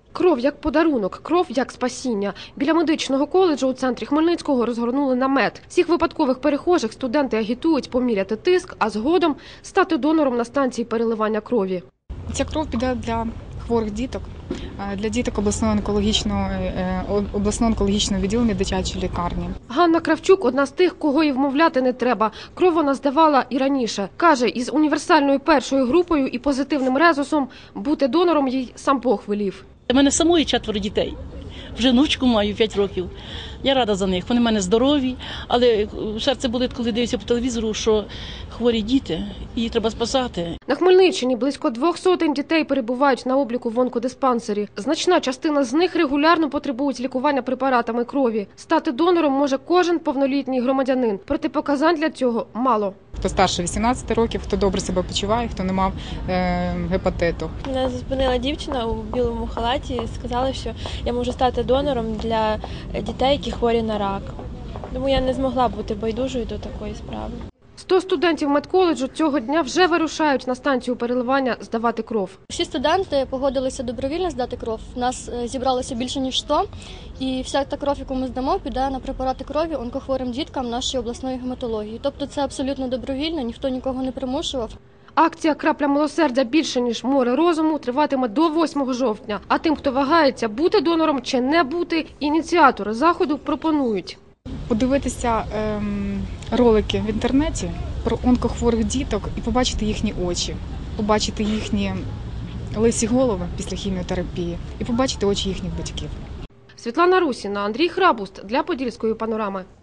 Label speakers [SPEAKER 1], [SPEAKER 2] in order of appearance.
[SPEAKER 1] Кров як подарунок, кров як спасіння. Біля медичного коледжу у центрі Хмельницького розгорнули намет. Всіх випадкових перехожих студенти агітують поміряти тиск, а згодом стати донором на станції переливання крові.
[SPEAKER 2] Ця кров піде для хворих діток, для діток обласного онкологічного відділення дитячої лікарні.
[SPEAKER 1] Ганна Кравчук – одна з тих, кого і вмовляти не треба. Кров вона здавала і раніше. Каже, із універсальною першою групою і позитивним резусом бути донором їй сам Бог велів.
[SPEAKER 3] У мене самої 4 дітей. Вже внучку маю 5 років. Я рада за них. Вони в мене здорові, але серце болить, коли дивлюся по телевізору, що хворі діти, їх треба спасати.
[SPEAKER 1] На Хмельниччині близько 200 дітей перебувають на обліку в онкодиспансері. Значна частина з них регулярно потребують лікування препаратами крові. Стати донором може кожен повнолітній громадянин. Протипоказань для цього мало.
[SPEAKER 2] Хто старше 18 років, хто добре себе почуває, хто не мав гепатиту.
[SPEAKER 4] Мене зупинила дівчина у білому халаті і сказала, що я можу стати донором для дітей, які хворі на рак. Тому я не змогла бути байдужою до такої справи.
[SPEAKER 1] 100 студентів медколеджу цього дня вже вирушають на станцію переливання здавати кров.
[SPEAKER 5] Всі студенти погодилися добровільно здати кров. Нас зібралося більше, ніж 100. І вся та кров, яку ми здамо, піде на препарати крові онкохворим діткам нашої обласної гематології. Тобто це абсолютно добровільно, ніхто нікого не примушував.
[SPEAKER 1] Акція «Крапля милосердя більше, ніж море розуму» триватиме до 8 жовтня. А тим, хто вагається, бути донором чи не бути, ініціатори заходу пропонують.
[SPEAKER 2] Подивитися ролики в інтернеті про онкохворих діток і побачити їхні очі, побачити їхні лисі голови після хіміотерапії і побачити очі їхніх батьків.
[SPEAKER 1] Світлана Русіна, Андрій Храбуст для Подільської панорами.